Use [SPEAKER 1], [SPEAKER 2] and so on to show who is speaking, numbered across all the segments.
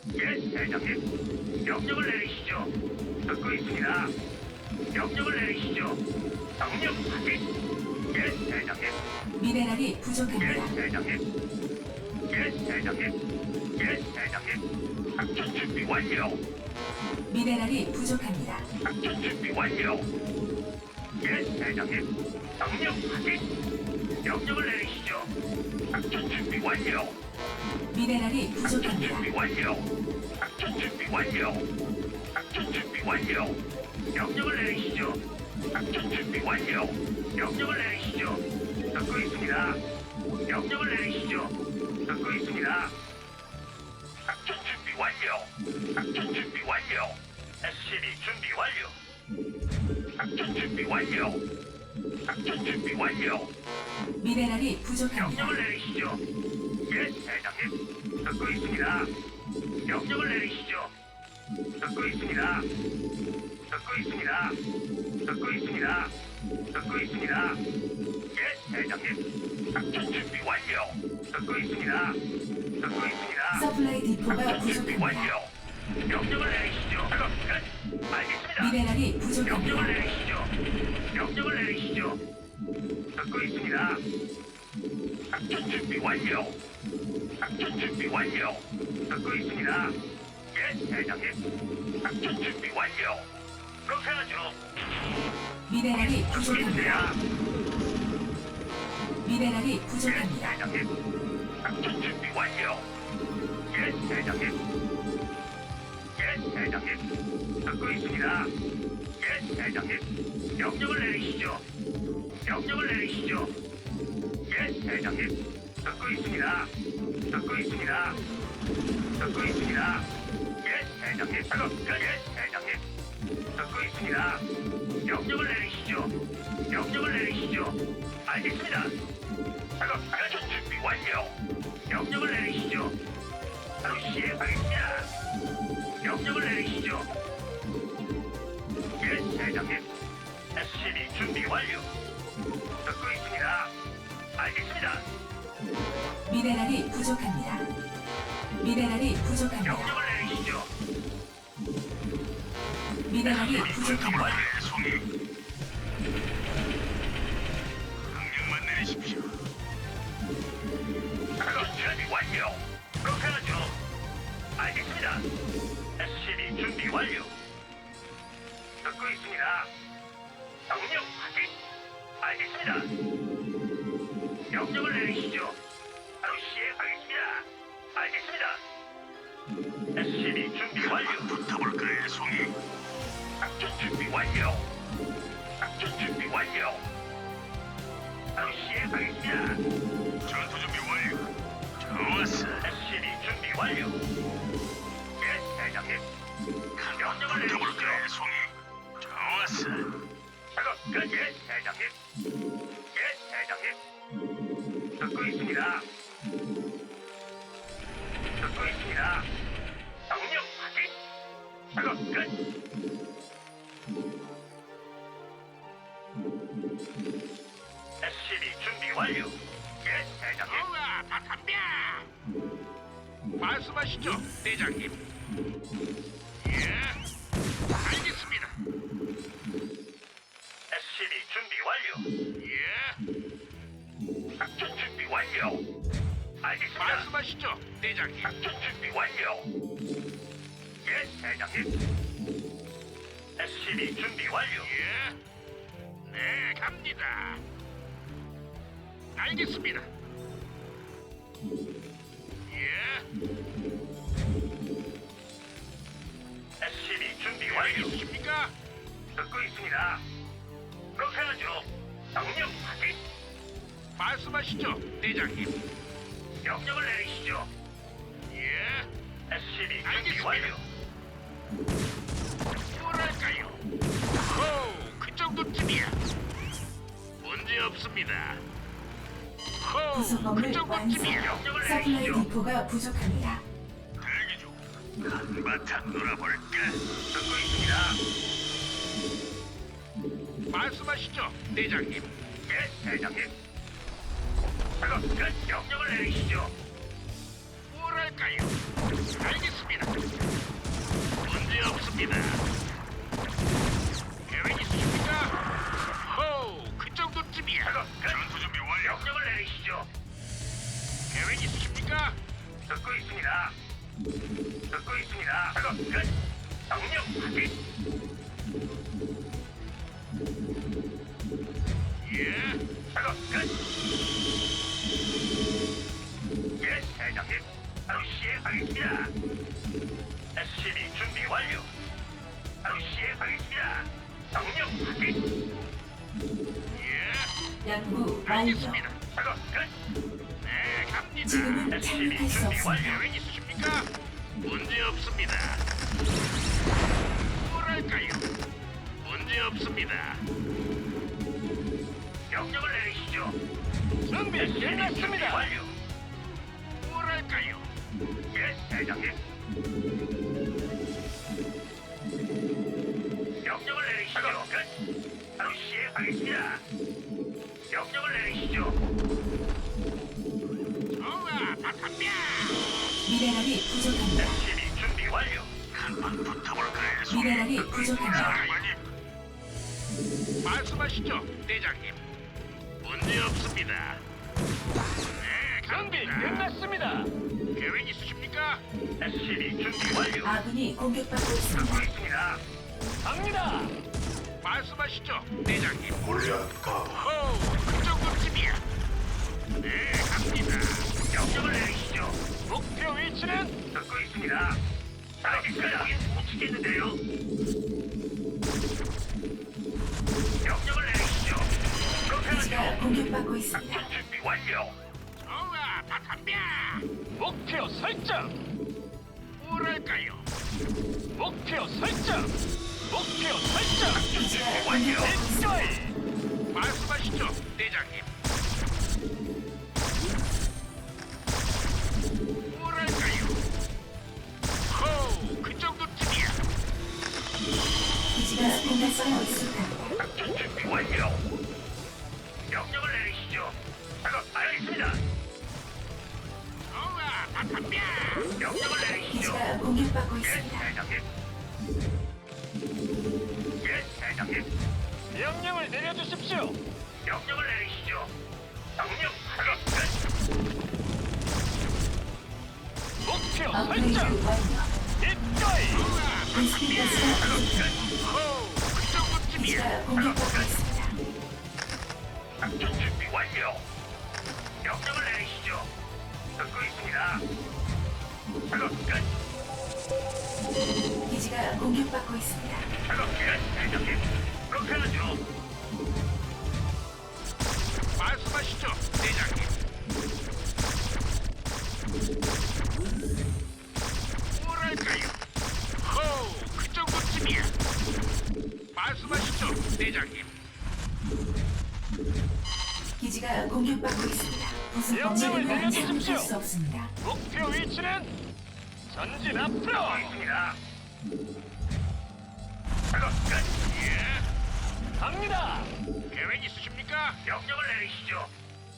[SPEAKER 1] 예, 대장님. 명령을 내리시죠. 듣고 있습니다. 명령을 내리시죠. 명령 확인. 예, 대장님.
[SPEAKER 2] 미네랄이
[SPEAKER 1] 예,
[SPEAKER 2] 부족합니다.
[SPEAKER 1] 대장님. 예, 대장님. 예, 대장님. 작전 준비 완료.
[SPEAKER 2] 미네랄이 부족합니다.
[SPEAKER 1] 작전 준비 완료. 예, 대장님. 명령 확인. 명령을 내리시죠. 작전 준비 완료.
[SPEAKER 2] 미네랄이
[SPEAKER 1] 작전
[SPEAKER 2] 부족합니다.
[SPEAKER 1] 준비 완료. 작전 준비 완료. 작전 준비 완료. 명령을 내리시죠. 작전 준비 완료. 명령을 내리시죠. 듣고 있습니다. 명령을 내리시죠. 듣고 있습니다. 작전 준비 완료. 작전 준비 완료. SCB 준비 완료. 작전 준비 완료. 작전 준비 완료.
[SPEAKER 2] 미네랄이 부족합니다.
[SPEAKER 1] 명령을 내리시죠. 예, 대장님. 듣고 있습니다. 명령을 내리시죠. 듣고 있습니다. 듣고 있습니다. 듣고 있습니다. 듣고 있습니다. 예, 대장님. 작전 준비 완료. 듣고 있습니다. 듣고 있습니다.
[SPEAKER 2] 서플라이 디포가
[SPEAKER 1] 작전 준비
[SPEAKER 2] 부족합니다.
[SPEAKER 1] 완료. 명령을 내리시죠. 작업 끝. 알겠습니다.
[SPEAKER 2] 미네랄이
[SPEAKER 1] 명령을
[SPEAKER 2] 부족합니다.
[SPEAKER 1] 내리시죠. 명령을 내리시죠. 듣고 있습니다. 작전 준비 완료. 작전 준비 완료. 듣고 있습니다. 예, 대장님. 작전 준비 완료. 그렇게 하죠.
[SPEAKER 2] 미네랄이
[SPEAKER 1] 듣고
[SPEAKER 2] 부족합니다.
[SPEAKER 1] 있습니다.
[SPEAKER 2] 미네랄이
[SPEAKER 1] 예,
[SPEAKER 2] 부족합니다.
[SPEAKER 1] 대장님. 작전 준비 완료. 예, 대장님. 예, 대장님. 듣고 있습니다. 예, 대장님. 명령을 내리시죠. 명령을 내리시죠. 예, 대장님. 듣고 있습니다. 듣고 있습니다. 듣고 있습니다. 예, 대장님. 작업 끝. 예, 대장님. 듣고 있습니다. 명령을 내리시죠. 명령을 내리시죠. 알겠습니다. 작업 작전 준비 완료. 명령을 내리시죠. 바로 시행하겠습니다. 명령을 내리시죠. 예, 대장님. SCB 준비 완료. 듣고 있습니다. 알겠습니다.
[SPEAKER 2] 미네랄이 부족합니다. 미네랄이 부족합니다.
[SPEAKER 1] 명령을 내리시죠.
[SPEAKER 2] 미네랄이
[SPEAKER 1] 준비
[SPEAKER 2] 부족합니다.
[SPEAKER 1] 완료. 송이. 명령만 내리십시오. 작업 준비 완료. 그렇게 하죠. 알겠습니다. SCB 준비 완료. 듣고 있습니다. 명령 확인. 알겠습니다. 명령을 내리시죠. 바로 시행하겠습니다. 알겠습니다. SCB 준비 완료. 붙어볼까요, 송이? 작전 준비 완료. 작전 준비 완료. 바로 시행하겠습니다. 전투 준비 완료. 좋았어. SCB 준비 완료. 예, 대장님. 명령을 내리시죠. 송이. 좋았어. 작업 끝. 예, 대장님. 예, 대장님. 듣고 있습니다. 듣고 있습니다. 명령 확인. 작업 끝. SCB 준비 완료. 예, 대장님.
[SPEAKER 3] 우와, 다 담배! 말씀하시죠, 대장님. 예, 알겠습니다.
[SPEAKER 1] SCB 준비 완료.
[SPEAKER 3] 예,
[SPEAKER 1] 작전 준비 완료. 알겠습니다.
[SPEAKER 3] 말씀하시죠, 대장님.
[SPEAKER 1] 작전 준비 완료. 예, 대장님. SCB 준비 완료.
[SPEAKER 3] 예, 네, 갑니다. 알겠습니다. 예,
[SPEAKER 1] SCB 준비 완료.
[SPEAKER 3] 알겠습니까?
[SPEAKER 1] 듣고 있습니다. 그렇게 하죠. 명령 확인.
[SPEAKER 3] 말씀하시죠, 대장님.
[SPEAKER 1] 명령을 내리시죠.
[SPEAKER 3] 예,
[SPEAKER 1] SCB 준비
[SPEAKER 3] 알겠습니다.
[SPEAKER 1] 완료.
[SPEAKER 3] 뭐랄까요? 호, 그 정도쯤이야. 문제 없습니다. 호,
[SPEAKER 2] 구성범을
[SPEAKER 3] 그 정도쯤이야.
[SPEAKER 1] 명령을
[SPEAKER 2] 서플라이
[SPEAKER 1] 내리시죠.
[SPEAKER 2] 디포가 부족합니다.
[SPEAKER 1] 대기 중. 한바탕 놀아볼까? 듣고 있습니다.
[SPEAKER 3] 말씀하시죠, 대장님.
[SPEAKER 1] 예, 대장님. 작업 끝. 명령을 내리시죠.
[SPEAKER 3] 뭐랄까요? 알겠습니다.
[SPEAKER 1] 작업 끝. 명령 확인.
[SPEAKER 3] 예.
[SPEAKER 1] 작업 끝. 예, 대장님. 바로 시행하겠습니다. SCB 준비 완료. 바로 시행하겠습니다. 명령 확인.
[SPEAKER 3] 예.
[SPEAKER 2] 연구 완료.
[SPEAKER 3] 알겠습니다.
[SPEAKER 1] 작업 끝.
[SPEAKER 3] 네, 갑니다.
[SPEAKER 2] 지금은
[SPEAKER 1] SCB
[SPEAKER 2] 착륙할 수
[SPEAKER 1] 준비
[SPEAKER 2] 없습니다.
[SPEAKER 1] 완료.
[SPEAKER 3] 계획 있으십니까? 문제 없습니다. 뭐랄까요? 문제 없습니다.
[SPEAKER 1] 명령을 내리시죠.
[SPEAKER 3] 준비
[SPEAKER 1] SCB 준비 완료.
[SPEAKER 3] 뭐랄까요?
[SPEAKER 1] 예, 대장님. 명령을 내리시죠. 끝. 바로 시행하겠습니다. 명령을 내리시죠.
[SPEAKER 3] 좋아, 다 덤벼.
[SPEAKER 2] 미네랄이 부족합니다.
[SPEAKER 1] SCB 준비 완료. 한번 붙어볼까요?
[SPEAKER 2] 미네랄이 부족합니다.
[SPEAKER 3] 말씀하시죠, 대장님. 문제 없습니다. 네,
[SPEAKER 4] 준비
[SPEAKER 3] 갑니다.
[SPEAKER 4] 끝났습니다.
[SPEAKER 3] 계획 있으십니까?
[SPEAKER 1] SCB 준비 완료.
[SPEAKER 2] 아군이 공격받고
[SPEAKER 1] 듣고
[SPEAKER 2] 있습니다.
[SPEAKER 1] 있습니다.
[SPEAKER 4] 갑니다.
[SPEAKER 3] 말씀하시죠, 대장님.
[SPEAKER 1] 골리앗 가.
[SPEAKER 3] 호, 그 정도쯤이야. 네, 갑니다.
[SPEAKER 1] 명령을 내리시죠.
[SPEAKER 4] 목표 위치는
[SPEAKER 1] 듣고 있습니다. 알겠습니다. 못 치겠는데요. 명령을 내리시죠. 그렇게
[SPEAKER 2] 기지가
[SPEAKER 1] 하죠.
[SPEAKER 2] 공격받고 있습니다.
[SPEAKER 1] 작전 준비 완료.
[SPEAKER 3] 좋아, 다 덤벼.
[SPEAKER 4] 목표 설정.
[SPEAKER 3] 뭐랄까요?
[SPEAKER 4] 목표 설정. 목표 설정.
[SPEAKER 2] 기지가
[SPEAKER 1] 완료.
[SPEAKER 2] 공격받고 있습니다.
[SPEAKER 4] 일거이.
[SPEAKER 3] 말씀하시죠, 대장님. 뭐랄까요? 호, 그 정도쯤이야.
[SPEAKER 2] 기지가 공격받고 있습니다.
[SPEAKER 1] 작전 준비 완료. 명령을 내리시죠. 작업 알겠습니다.
[SPEAKER 3] 좋아, 다 덤벼.
[SPEAKER 1] 명령을 내리시죠.
[SPEAKER 2] 기지가 공격받고
[SPEAKER 1] 예,
[SPEAKER 2] 있습니다.
[SPEAKER 1] 대장님. 예, 대장님.
[SPEAKER 4] 명령을 내려주십시오.
[SPEAKER 1] 명령을 내리시죠. 명령 작업 끝.
[SPEAKER 4] 목표
[SPEAKER 2] 업그레이드
[SPEAKER 4] 설정.
[SPEAKER 2] 완료.
[SPEAKER 4] 일거이.
[SPEAKER 2] 인스피가스가
[SPEAKER 1] 작업
[SPEAKER 2] 부족합니다.
[SPEAKER 1] 끝.
[SPEAKER 3] 호, 그 정도쯤이야.
[SPEAKER 2] 기지가 공격받고 있습니다.
[SPEAKER 1] 작전 준비 완료. 명령을 내리시죠. 듣고 있습니다. 작업 끝.
[SPEAKER 2] 기지가 공격받고 있습니다.
[SPEAKER 1] 작업 끝. 대장님. 그렇게 하죠.
[SPEAKER 3] 말씀하시죠, 대장님. 뭐랄까요? 호, 그 정도쯤이야. 말씀하시죠, 대장님.
[SPEAKER 2] 기지가 공격받고 있습니다. 부속
[SPEAKER 4] 명령을
[SPEAKER 2] 건물과
[SPEAKER 4] 내려주십시오.
[SPEAKER 2] 착륙할 수 없습니다.
[SPEAKER 4] 목표 위치는 전진 앞으로.
[SPEAKER 1] 듣고 있습니다. 작업 끝.
[SPEAKER 3] 예,
[SPEAKER 4] 갑니다.
[SPEAKER 3] 계획 있으십니까?
[SPEAKER 1] 명령을 내리시죠.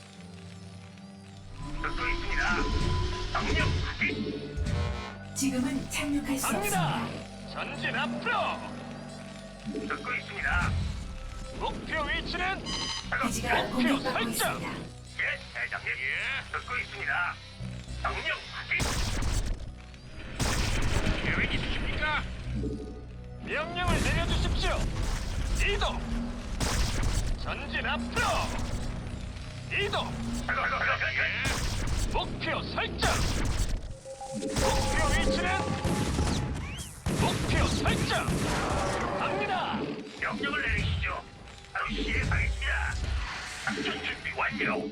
[SPEAKER 1] 듣고 있습니다. 명령 확인.
[SPEAKER 2] 지금은 착륙할 수
[SPEAKER 4] 갑니다.
[SPEAKER 2] 없습니다.
[SPEAKER 4] 전진 앞으로.
[SPEAKER 1] 듣고 있습니다.
[SPEAKER 4] 목표 위치는
[SPEAKER 1] 작업
[SPEAKER 2] 기지가
[SPEAKER 1] 끝.
[SPEAKER 2] 공격받고
[SPEAKER 4] 설정.
[SPEAKER 2] 있습니다.
[SPEAKER 1] 예, 대장님.
[SPEAKER 3] 예,
[SPEAKER 1] 듣고 있습니다. 명령 확인.
[SPEAKER 3] 계획 있으십니까?
[SPEAKER 4] 명령을 내려주십시오. 이동. 전진 앞으로. 이동.
[SPEAKER 1] 작업 끝.
[SPEAKER 3] 예,
[SPEAKER 4] 목표 설정. 목표 위치는 목표 설정. 갑니다.
[SPEAKER 1] 명령을 내리시죠. 바로 시행하겠습니다. 작전 준비 완료.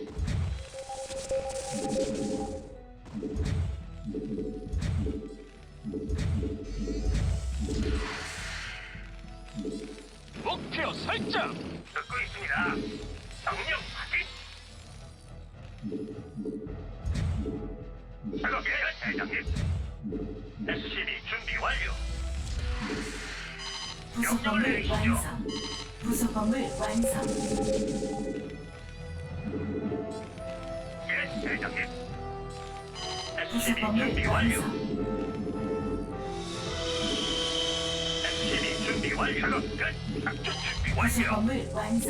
[SPEAKER 4] 목표 설정.
[SPEAKER 1] 듣고 있습니다. 명령 확인. 작업 끝. 대장님. SCB 준비 완료.
[SPEAKER 2] 부속 건물 완성. 부속 건물 완성.
[SPEAKER 1] 예, 대장님.
[SPEAKER 2] 부속
[SPEAKER 1] SCB
[SPEAKER 2] 건물
[SPEAKER 1] 준비 완료.
[SPEAKER 2] 완성.
[SPEAKER 1] SCB 준비 완료. 작업 끝. 작전 준비
[SPEAKER 2] 부속
[SPEAKER 1] 완료.
[SPEAKER 2] 건물 완성.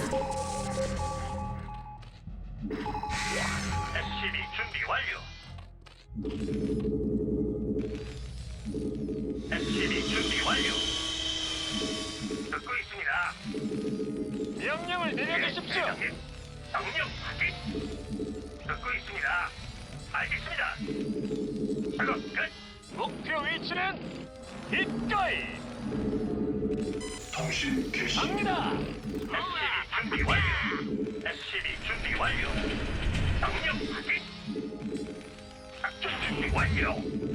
[SPEAKER 1] SCB 준비 완료. SCB
[SPEAKER 4] 내려주십시오.
[SPEAKER 1] 대장님. 명령 확인. 듣고 있습니다. 알겠습니다. 작업 끝.
[SPEAKER 4] 목표 위치는 이거이.
[SPEAKER 5] 통신 개시.
[SPEAKER 4] 갑니다.
[SPEAKER 1] SCB 준비 완료. SCB 준비 완료. 명령 확인. 작전 준비 완료.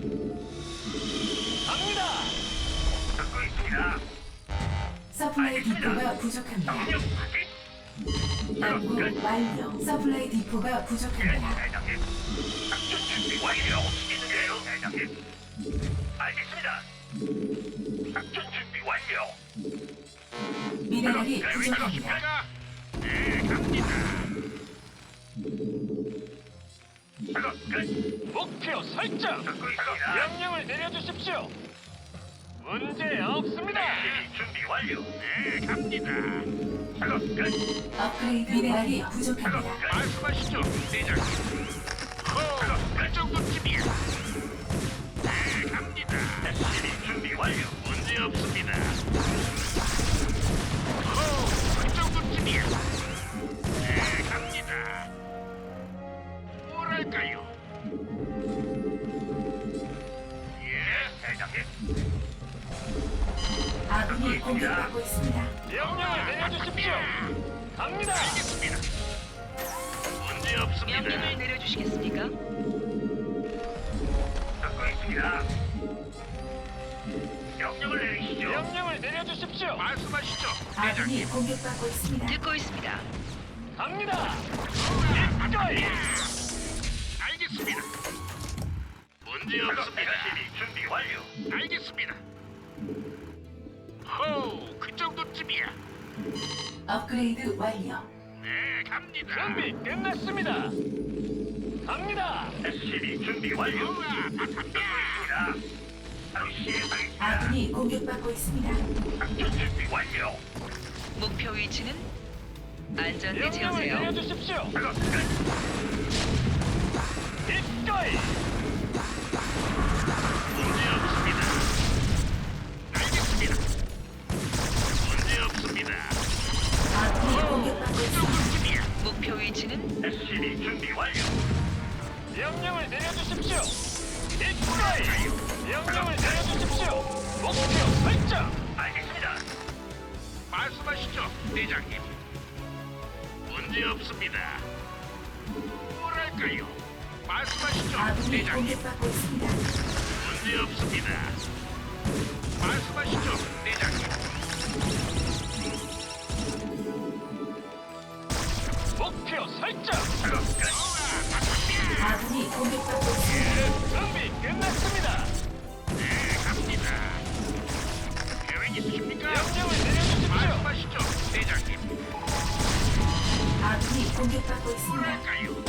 [SPEAKER 4] 갑니다.
[SPEAKER 1] 듣고 있습니다.
[SPEAKER 2] 서플라이 디포가 부족합니다.
[SPEAKER 1] 명령 확인.
[SPEAKER 2] 연구 완료. 서플라이 디포가
[SPEAKER 1] 예,
[SPEAKER 2] 부족합니다.
[SPEAKER 1] 대장님. 작전 준비 완료. 있는데요, 대장님. 알겠습니다. 작전 준비 완료.
[SPEAKER 2] 미네랄이
[SPEAKER 1] 계획
[SPEAKER 2] 부족합니다.
[SPEAKER 1] 있으십니까? 네, 갑니다. 작업 끝.
[SPEAKER 4] 목표 설정.
[SPEAKER 1] 듣고 있습니다.
[SPEAKER 4] 명령을 내려주십시오. 문제 없습니다.
[SPEAKER 1] SCB 준비 완료. 네, 갑니다. 작업 끝.
[SPEAKER 2] 업그레이드 미네랄이
[SPEAKER 1] 작업
[SPEAKER 2] 부족합니다.
[SPEAKER 1] 끝.
[SPEAKER 3] 말씀하시죠, 대장님.
[SPEAKER 1] 작업 끝.
[SPEAKER 3] 정도쯤이야. 네, 갑니다.
[SPEAKER 1] SCB 준비 완료.
[SPEAKER 3] 문제 없습니다. 그 정도쯤이야. 네, 갑니다. 뭐랄까요?
[SPEAKER 1] 예, 대장님.
[SPEAKER 2] 아군이 공격받고 있습니다.
[SPEAKER 4] 명령을 내려주십시오. 갑니다.
[SPEAKER 3] 알겠습니다. 문제 없습니다.
[SPEAKER 6] 명령을 내려주시겠습니까?
[SPEAKER 1] 듣고 있습니다. 명령을 내리시죠.
[SPEAKER 4] 명령을 내려주십시오.
[SPEAKER 3] 말씀하시죠,
[SPEAKER 2] 아군이
[SPEAKER 3] 대장님.
[SPEAKER 2] 공격받고 있습니다.
[SPEAKER 6] 듣고 있습니다.
[SPEAKER 4] 갑니다. 이거이.
[SPEAKER 3] 알겠습니다. 문제
[SPEAKER 1] 작업
[SPEAKER 3] 없습니다.
[SPEAKER 1] SCB 준비 완료.
[SPEAKER 3] 알겠습니다. 호우, 그 정도쯤이야.
[SPEAKER 2] 업그레이드 완료.
[SPEAKER 3] 네, 갑니다.
[SPEAKER 4] 준비 끝났습니다. 갑니다.
[SPEAKER 1] SCB 준비 완료.
[SPEAKER 3] 우와, 다
[SPEAKER 1] 듣고
[SPEAKER 3] 갑니다.
[SPEAKER 1] 있습니다. 바로 시행하겠습니다.
[SPEAKER 2] 아군이 공격받고 있습니다.
[SPEAKER 1] 작전 준비 완료.
[SPEAKER 6] 목표 위치는 안전대
[SPEAKER 4] 명령을
[SPEAKER 6] 채우세요.
[SPEAKER 4] 내려주십시오.
[SPEAKER 1] 작업 끝.
[SPEAKER 4] 이거이.
[SPEAKER 3] 문제 없습니다. 알겠습니다. 문제 없습니다.
[SPEAKER 2] 아군이 공격받고 있습니다.
[SPEAKER 3] 정도쯤이야.
[SPEAKER 6] 목표 위치는
[SPEAKER 1] SCB 준비 완료.
[SPEAKER 4] 명령을 내려주십시오. 이거이. 명령을 내려주십시오. 목표 설정.
[SPEAKER 1] 알겠습니다.
[SPEAKER 3] 말씀하시죠, 대장님. 문제 없습니다. 뭐랄까요? 말씀하시죠,
[SPEAKER 2] 아군이
[SPEAKER 3] 대장님.
[SPEAKER 2] 공격받고 있습니다.
[SPEAKER 3] 문제 없습니다. 말씀하시죠, 대장님.
[SPEAKER 4] 목표 설정.
[SPEAKER 1] 작업 끝.
[SPEAKER 3] 우와, 다 갑니다.
[SPEAKER 2] 아군이 공격받고 있습니다.
[SPEAKER 4] 준비 끝났습니다.
[SPEAKER 3] 네, 갑니다. 계획 있으십니까?
[SPEAKER 4] 명령을 내려주십시오.
[SPEAKER 3] 말씀하시죠, 대장님.
[SPEAKER 2] 아군이 공격받고 있습니다.
[SPEAKER 3] 뭐랄까요?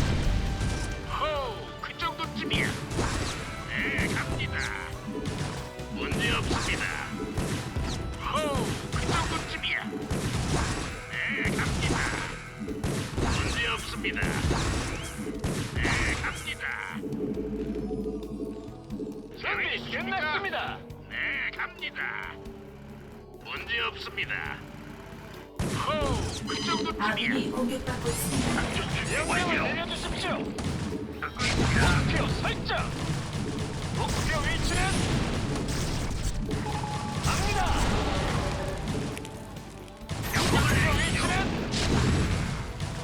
[SPEAKER 3] 호우, 그 정도쯤이야. 네, 갑니다. 문제 없습니다. 호우, 그 정도쯤이야. 네, 갑니다. 문제 없습니다. 네, 갑니다.
[SPEAKER 4] 준비 끝났습니다.
[SPEAKER 3] 네, 갑니다. 문제 없습니다. 호우, 그 정도쯤이야.
[SPEAKER 2] 아군이 공격받고 있습니다.
[SPEAKER 1] 작전 준비
[SPEAKER 4] 명령을
[SPEAKER 1] 완료.
[SPEAKER 4] 내려주십시오.
[SPEAKER 1] 듣고 있습니다.
[SPEAKER 4] 목표 설정. 목표 위치는 갑니다. 목표 위치는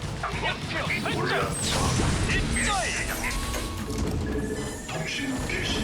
[SPEAKER 4] 목표 설정. 이거이.
[SPEAKER 5] 통신 개시.